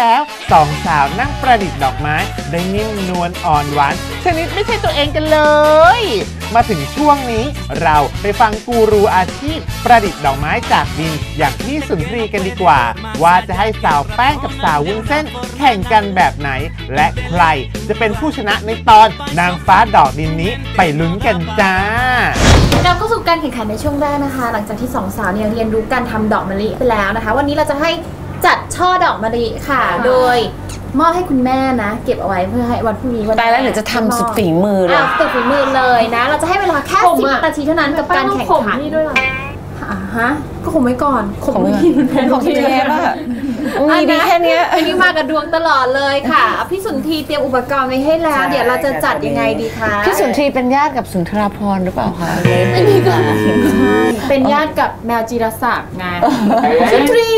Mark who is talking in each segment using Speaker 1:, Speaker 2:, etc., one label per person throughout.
Speaker 1: แล้วสองสาวนั่งประดิษฐ์ดอกไม้ได้นิ่มนวลอ่อนหวานชนิดไม่ใช่ตัวเองกันเลยมาถึงช่วงนี้เราไปฟังกูรูอาชีพประดิษฐ์ดอกไม้จากดินอย่างพี่สุนทรีกันดีกว่าว่าจะให้สาวแป้งกับสาววุ้นเส้นแข่งกันแบบไหนและใครจะเป็นผู้ชนะในตอนนางฟ้าดอกดินนี้ไปลุ้นกันจ้า
Speaker 2: เราเข้าสู่การแข่งขันในช่วงแรกนะคะหลังจากที่สองสาวเนี่ยเรียนรู้การทำดอกมะลิไปแล้วนะคะวันนี้เราจะให้จัดช่อดอกมะลิค่ะโดยมอบให้คุณแม่นะเก็บเอาไว้เพื่อให้วันพรุ่งนี้วัน
Speaker 3: ตายแล้วเดี๋ยวจะทำสุดฝีมือเลย
Speaker 2: สุดฝีมือเลยนะเราจะให้เวลาแค่10 นาทีเท่านั้นกับการแข่งขันนี่ด้วยหรอฮะก็ข่มไว้ก่อนข่มไม่ดีมันเป็นของเทปอะมีดีแค่นี้อันนี้มากับดวงตลอดเลยค่ะพี่สุนทรีเตรียมอุปกรณ์ไว้ให้แล้วเดี๋ยวเราจะจัดยังไงดีคะ
Speaker 3: พี่สุนทรีเป็นญาติกับสุนทราภรณ์หรือเปล่าคะ
Speaker 2: อันนี้ก็เป็นญาติกับแมวจีรศักดิ์ไงสุนทรี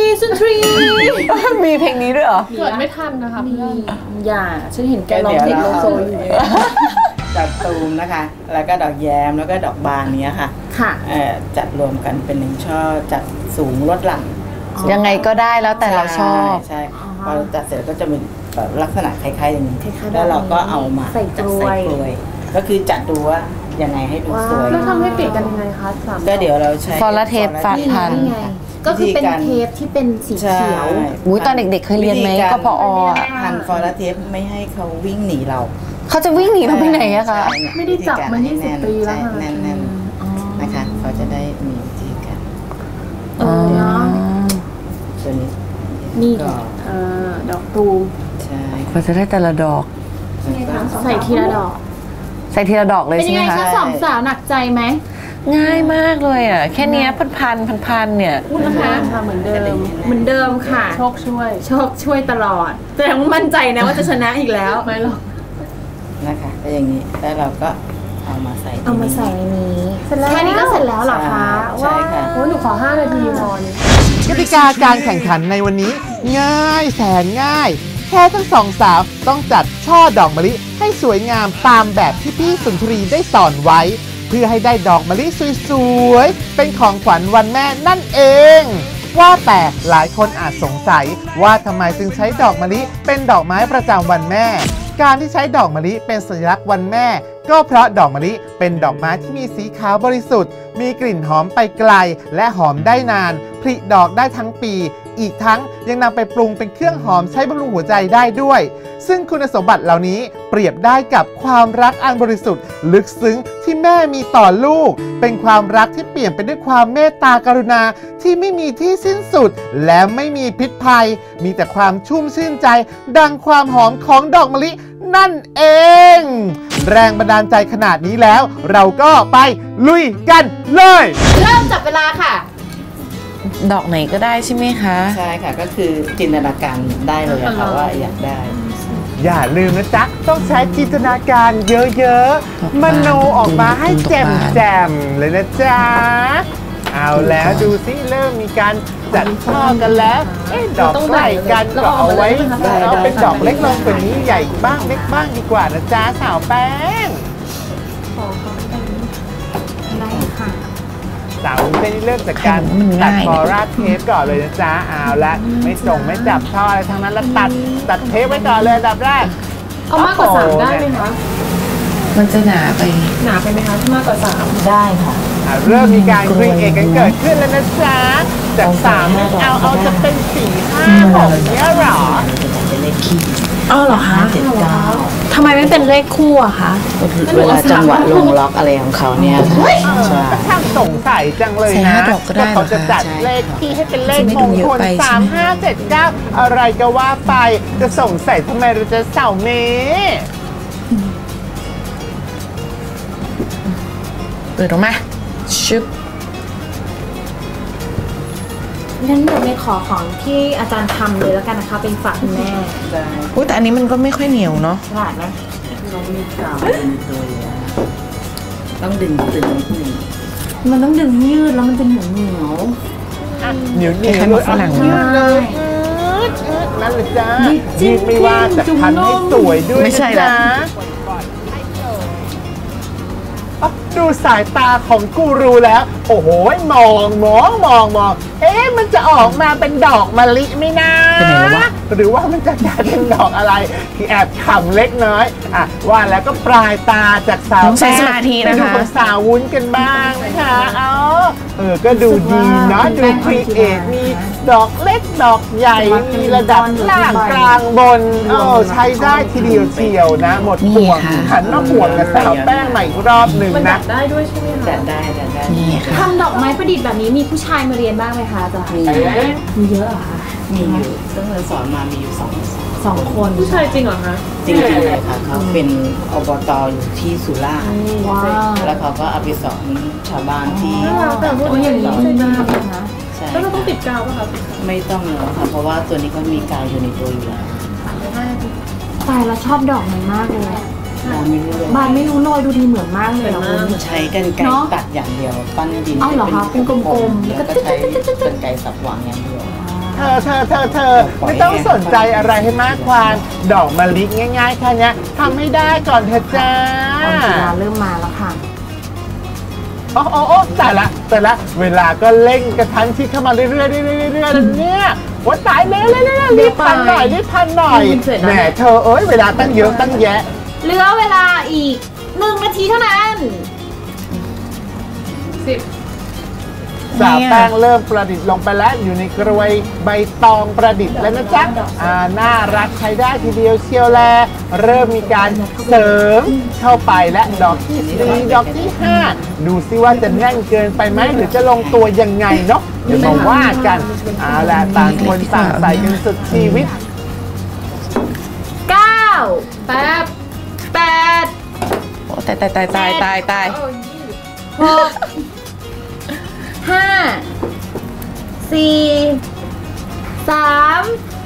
Speaker 3: มีเพลงนี้ด้วยเหรอ
Speaker 2: เกิดไม่ทันนะคะเพื่อนอย่าฉันเห็นแกร้องเพลงโลโซอยู่
Speaker 4: ดอกตูมนะคะแล้วก็ดอกแย้มแล้วก็ดอกบานเนี้ยค่ะจัดรวมกันเป็น1 ช่อจัดสูงลดหลั่น
Speaker 3: ยังไงก็ได้แล้วแต่เราชอบ
Speaker 4: ใช่พอจัดเสร็จก็จะเป็นลักษณะคล้ายๆอย่างนี้แล้วเราก็เอามา
Speaker 2: ใส่กลวย
Speaker 4: ก็คือจัดดูว่ายังไงให้ดูสวย
Speaker 2: แล้วทำให้ติดกันยังไงคะ
Speaker 4: ก็เดี๋ยวเราใช้
Speaker 3: ฟอลเทปฟาดพัน
Speaker 2: ก็คือเป็นเทปที่เป็นสีเขียว
Speaker 3: ตอนเด็กๆเคยเรียนไหมก็พอ
Speaker 4: พันฟอลเทปไม่ให้เขาวิ่งหนีเรา
Speaker 3: เขาจะวิ่งหนีเราไปไหนอะคะ
Speaker 2: ไม่ได้จับมา20 ปีแล้วค่ะ
Speaker 4: แน่นๆนะคะเขาจะได้มีวิธีการตัวนี้
Speaker 2: นี่ดอกตูม
Speaker 4: ใช่
Speaker 3: เขาจะได้แต่ละดอก
Speaker 2: ใส่ทีละดอก
Speaker 3: เลยใช่ไหมคะ
Speaker 2: เป็นยังไงคะสองสาวหนักใจไหม
Speaker 3: ง่ายมากเลยอ่ะแค่นี้พันเนี่ย
Speaker 2: พูดนะคะเหมือนเดิมค่ะโชคช่วยตลอดแต่ยังมั่นใจนะว่าจะชนะอีกแล้วไม่หรอก
Speaker 4: นะคะก็อย่างนี้แล้วเราก็เอามาใส่
Speaker 2: ในนี้แค่นี้ก็เสร็จแล้วเหรอคะ
Speaker 4: ใช่ค่ะ
Speaker 2: หนูขอ5 นาทีพอก
Speaker 1: ติกาการแข่งขันในวันนี้ง่ายแสนง่ายแค่ทั้งสองสาวต้องจัดช่อดอกมะลิให้สวยงามตามแบบที่พี่สุนทรีได้สอนไว้เพื่อให้ได้ดอกมะลิสวยๆเป็นของขวัญวันแม่นั่นเองว่าแต่หลายคนอาจสงสัยว่าทำไมจึงใช้ดอกมะลิเป็นดอกไม้ประจำวันแม่การที่ใช้ดอกมะลิเป็นสัญลักษณ์วันแม่ก็เพราะดอกมะลิเป็นดอกไม้ที่มีสีขาวบริสุทธิ์มีกลิ่นหอมไปไกลและหอมได้นานผลิดอกได้ทั้งปีอีกทั้งยังนำไปปรุงเป็นเครื่องหอมใช้บำรุงหัวใจได้ด้วยซึ่งคุณสมบัติเหล่านี้เปรียบได้กับความรักอันบริสุทธิ์ลึกซึ้งที่แม่มีต่อลูกเป็นความรักที่เปลี่ยนไปด้วยความเมตตากรุณาที่ไม่มีที่สิ้นสุดและไม่มีพิษภัยมีแต่ความชุ่มชื่นใจดังความหอมของดอกมะลินั่นเองแรงบันดาลใจขนาดนี้แล้วเราก็ไปลุยกันเลย
Speaker 2: เริ่มจับเวลาค่ะ
Speaker 3: ดอกไหนก็ได้ใช่ไหมคะ
Speaker 4: ใช่ค่ะก็คือจินตนาการได้เลยค่ะว่าอยากได้
Speaker 1: อย่าลืมนะจ๊ะต้องใช้จินตนาการเยอะๆมโนออกมาให้แจ่มๆเลยนะจ๊ะเอาแล้วดูสิเริ่มมีการจัดช่อกันแล้วดอกใกล้กันก็เอาไว้เอาเป็นดอกเล็กลงกว่านี้ใหญ่บ้างเล็กบ้างดีกว่านะจ๊ะสาวแป้ง
Speaker 2: ได้ค่ะ
Speaker 1: สาวเส้นเริ่มจากการตัดคอราเทปก่อนเลยนะจ๊ะเอาละไม่จับช่ออะไรทั้งนั้นแล้วตัดเทปไว้ก่อนเลยอันดับแรก
Speaker 2: เอามากกว่า3ได้ไหมคะ
Speaker 3: มันจะหนาไป
Speaker 2: ไหมคะถ้ามากกว่า3
Speaker 4: ได้ค่ะ
Speaker 1: เริ่มมีการครีเอทกันเกิดขึ้นแล้วนะจ๊ะจาก3เอาจะเป็น4 5 6เนี้ยหรอ
Speaker 4: เป็นเลขคี่
Speaker 2: เหรอคะทำไมไม่เป็นเลขคู่อะคะ
Speaker 4: เวลาจังหวะลงล็อกอะไรของเขาเนี่ย
Speaker 1: ช่างสงสัยจังเลยนะว่าเขาจะจัดเลขที่ให้เป็นเลขมงคล3 5 7 9อะไรก็ว่าไปจะสงสัยทำไมเราจะเสาเม
Speaker 3: เปิดออกมาชึบ
Speaker 2: งั้นหนูไม่ขอของที่อาจารย์ทำเลยแล้วกันนะคะเป็นฝากคุณแม่
Speaker 3: แต่อันนี้มันก็ไม่ค่อยเหนียวเนาะ
Speaker 2: ฉลาดไหม
Speaker 4: ต้องมีกาวต้องดึงนิดนึง
Speaker 2: มันต้องดึงยืดแล้วมันจะเหนียว
Speaker 1: เหนียว
Speaker 3: ให้มาฝรั่ง
Speaker 1: ยืดเลยนั่นเลยจ้ายืดไม่ว่าแต่พันให้สวยด้วย
Speaker 3: ไม่ใช่ละ
Speaker 1: ดูสายตาของกูรูแล้วโอ้โหมองมันจะออกมาเป็นดอกมะลิไหมนะ
Speaker 3: ไปไหนแล้ววะ
Speaker 1: หรือว่ามันจะกลายเป็นดอกอะไรที่แอบขำเล็กน้อยอ่ะว่าแล้วก็ปลายตาจากสาว
Speaker 3: ต้องใช้สมาธินะคะ
Speaker 1: ไปดูของสาววุ้นกันบ้างนะคะก็ดูดีเนาะดูครีเอทมีดอกเล็กดอกใหญ่มีระดับล่างกลางบนใช้ได้ทีเดียวเชียวนะหมดห่วงหันมาห่วงกับสาวแป้งใหม่อีกรอบหนึ่ง
Speaker 2: มัน
Speaker 1: นะ
Speaker 2: ดัดได้ด้วยใช่ไหมคะ
Speaker 4: จัดได้
Speaker 3: นี่ค่ะ
Speaker 2: ทำดอกไม้ประดิษฐ์แบบนี้มีผู้ชายมาเรียนบ้างไหมคะอาจารย์มีเยอะเหรอคะ
Speaker 4: มีอยู่ซึ่งเราสอนมามีอยู่
Speaker 2: สองคนผู้ชายจริงเหรอคะ
Speaker 4: จริงๆเลยค่ะเขาเป็นอบตอยู่ที่สุราษฎร์
Speaker 2: ว้าว
Speaker 4: แล้วเขาก็เอาไปสอนชาวบ้านที่
Speaker 2: แต่พวกอย่างนี้ใช่ไหมคะ
Speaker 4: ใช่
Speaker 2: แล้วเราต้องติดกาวป่ะคะ
Speaker 4: ไม่ต้องแล้วค่ะเพราะว่าตัวนี้เขามีกาวอยู่ในตัวอยู่แล้ว
Speaker 2: ตายแล้วชอบดอกมันมากเลย
Speaker 4: เราไม่รู้เลย
Speaker 2: บานไม่รู้เลยดูดีเหมือนมากเลยอะคุณ
Speaker 4: ใช้กันไกรตัดอย่างเดียวปั้นดิน
Speaker 2: อ้าวเหรอคะเป็นกลมๆ
Speaker 4: แล้วก็ใช้กันไกรสับวางอย่างเดียว
Speaker 1: เธอไม่ต้องสนใจอะไรให้มากความดอกมะลิง่ายๆแค่นี้ทำให้ได้ก่อนเธอจ้า
Speaker 2: เวลาเริ่มมาแล้วค่ะ
Speaker 1: โอ้แต่ละเวลาก็เร่งกระทันชิดเข้ามาเรื่อยๆเนี่ยว่าตายแล้วรีบพันหน่อยแหมเธอเวลาตั้งเยอะตั้งแยะ
Speaker 2: เหลือเวลาอีก1 นาทีเท่านั้น10
Speaker 1: สาวแป้งเริ่มประดิษฐ์ลงไปแล้วอยู่ในกรวยใบตองประดิษฐ์แล้วนะจ๊ะน่ารักใช้ได้ทีเดียวเชียวแลเริ่มมีการเสริมเข้าไปและดอกที่4ดอกที่5ดูซิว่าจะแน่นเกินไปไหมหรือจะลงตัวยังไงเนาะเดี๋ยวมาว่ากันเอาล่ะต่างคนต่างใส่กันสุดชีวิต
Speaker 2: 9 8
Speaker 3: โอ้ตาย
Speaker 2: 6 5 4 3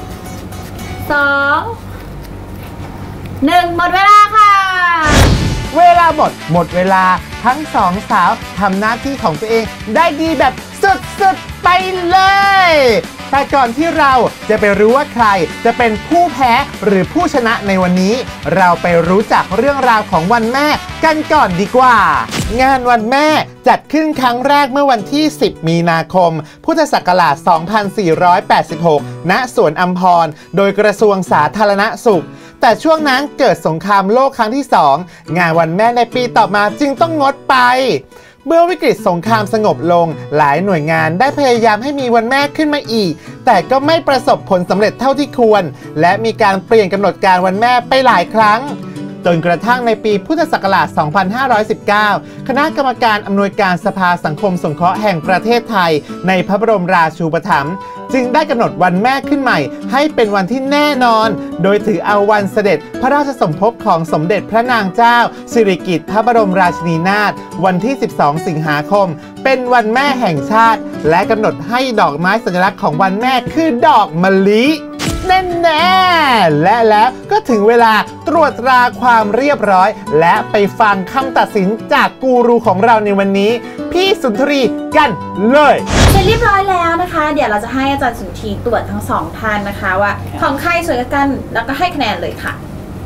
Speaker 2: 2 1 หมดเวลาค่ะ
Speaker 1: เวลาหมดเวลาทั้งสองสาวทำหน้าที่ของตัวเองได้ดีแบบสุดๆไปเลยแต่ก่อนที่เราจะไปรู้ว่าใครจะเป็นผู้แพ้หรือผู้ชนะในวันนี้เราไปรู้จักเรื่องราวของวันแม่กันก่อนดีกว่างานวันแม่จัดขึ้นครั้งแรกเมื่อวันที่10 มีนาคมพุทธศักราช 2486 ณ สวนอัมพรโดยกระทรวงสาธารณสุขแต่ช่วงนั้นเกิดสงครามโลกครั้งที่ 2 งานวันแม่ในปีต่อมาจึงต้องงดไปเมื่อวิกฤตสงครามสงบลงหลายหน่วยงานได้พยายามให้มีวันแม่ขึ้นมาอีกแต่ก็ไม่ประสบผลสำเร็จเท่าที่ควรและมีการเปลี่ยนกำหนดการวันแม่ไปหลายครั้งจนกระทั่งในปีพุทธศักราช 2519 คณะกรรมการอำนวยการสภาสังคมสงเคราะห์แห่งประเทศไทยในพระบรมราชูปถัมภ์จึงได้กำหนดวันแม่ขึ้นใหม่ให้เป็นวันที่แน่นอนโดยถือเอาวันเสด็จพระราชสมภพของสมเด็จพระนางเจ้าสิริกิติ์พระบรมราชินีนาถวันที่ 12 สิงหาคมเป็นวันแม่แห่งชาติและกำหนดให้ดอกไม้สัญลักษณ์ของวันแม่คือดอกมะลิแน่ๆและแล้วก็ถึงเวลาตรวจตราความเรียบร้อยและไปฟังคำตัดสินจากกูรูของเราในวันนี้พี่สุนทรีกันเลย
Speaker 2: เสร็จเรียบร้อยแล้วนะคะ เดี๋ยวเราจะให้อาจารย์สุนทรีตรวจทั้ง2ท่านนะคะว่าของใครสวยกว่ากันแล้วก็ให้คะแนนเลยค่ะ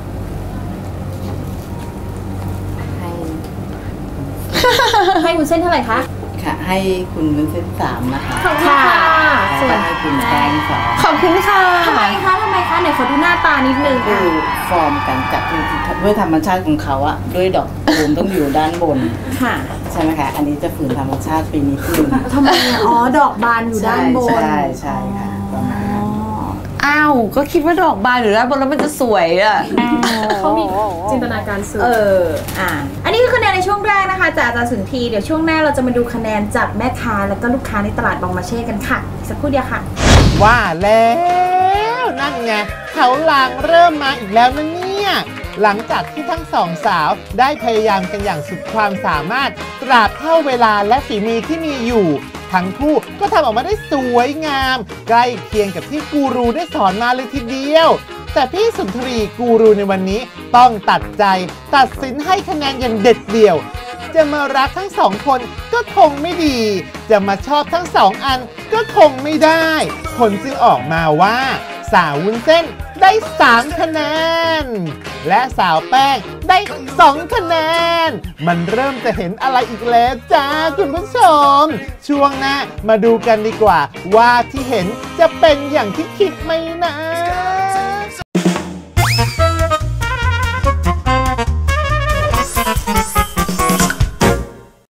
Speaker 2: ให้คุณเส้นเท่าไหร่คะ
Speaker 4: ค่ะให้คุณวุ้นเส้น3นะคะ
Speaker 2: ขอบคุณค่ะ
Speaker 4: ส่วนให้คุณแป้ง2
Speaker 3: ขอบคุณค่ะ
Speaker 2: ทำไมคะไหนขอดูหน้าตานิดนึง
Speaker 4: ดูฟอร์มการจัดด้วยธรรมชาติของเขาอะด้วยดอกตูมต้องอยู่ด้านบน
Speaker 2: ค่ะ
Speaker 4: ใช่ไหมคะอันนี้จะฝืนธรรมชาติไปนิดนึง
Speaker 2: ทำไมดอกบานอยู่ด้านบน
Speaker 4: ใช่ค่ะ
Speaker 3: อ้าวก็คิดว่าดอกบานอยู่ด้านบนแล้วมันจะสวยอ่ะ
Speaker 2: เขามีจินตนาการสูงอันนี้คือคะแนนในช่วงแรกนะคะจากอาจารย์สุนทรีเดี๋ยวช่วงหน้าเราจะมาดูคะแนนจากแม่ค้าแล้วก็ลูกค้าในตลาดบองมาเช่กันค่ะสักครู่เดียวค่ะ
Speaker 1: ว่าแล้วนั่นไงเขาลางเริ่มมาอีกแล้วนะเนี่ยหลังจากที่ทั้งสองสาวได้พยายามกันอย่างสุดความสามารถตราบเท่าเวลาและฝีมือที่มีอยู่ทั้งคู่ก็ทำออกมาได้สวยงามใกล้เคียงกับที่กูรูได้สอนมาเลยทีเดียวแต่พี่สุนทรีกูรูในวันนี้ต้องตัดสินให้คะแนนอย่างเด็ดเดี่ยวจะมารักทั้งสองคนก็คงไม่ดีจะมาชอบทั้ง2 อันก็คงไม่ได้ผลจึงออกมาว่าสาววุ้นเส้นได้3คะแนนและสาวแป้งได้2คะแนนมันเริ่มจะเห็นอะไรอีกแล้วจ้าคุณผู้ชมช่วงหน้ามาดูกันดีกว่าว่าที่เห็นจะเป็นอย่างที่คิดไหมนะ